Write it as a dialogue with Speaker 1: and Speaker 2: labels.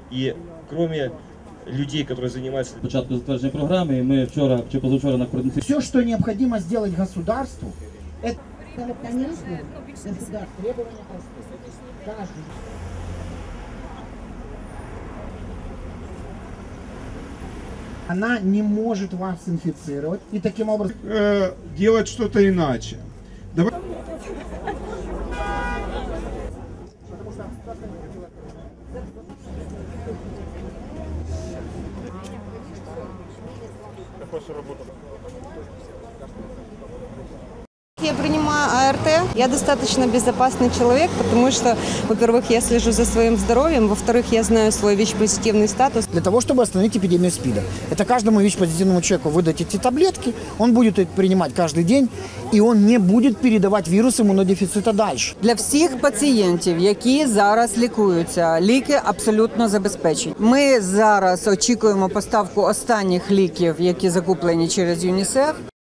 Speaker 1: И кроме людей, которые занимаются...
Speaker 2: Початку затвердження програми, і ми вчора чи позавчора на координації.
Speaker 3: Все, что необходимо сделать государству, это, конечно, государство, требования простые. Каждый. Она не может вас инфицировать и таким образом...
Speaker 4: делать что-то иначе. Давай...
Speaker 5: Я принимаю АРТ. Я достаточно безопасный человек, потому что, во-первых, я слежу за своим здоровьем, во-вторых, я знаю свой ВИЧ-позитивный статус.
Speaker 3: Для того, чтобы остановить эпидемию СПИДа. Это каждому ВИЧ-позитивному человеку выдать эти таблетки, он будет их принимать каждый день, и он не будет передавать вирус иммунодефицита дальше.
Speaker 6: Для всіх пацієнтів, які зараз лікуються, ліки абсолютно забезпечені. Ми зараз очікуємо поставку останніх ліків, які закуплені через ЮНІСЕФ.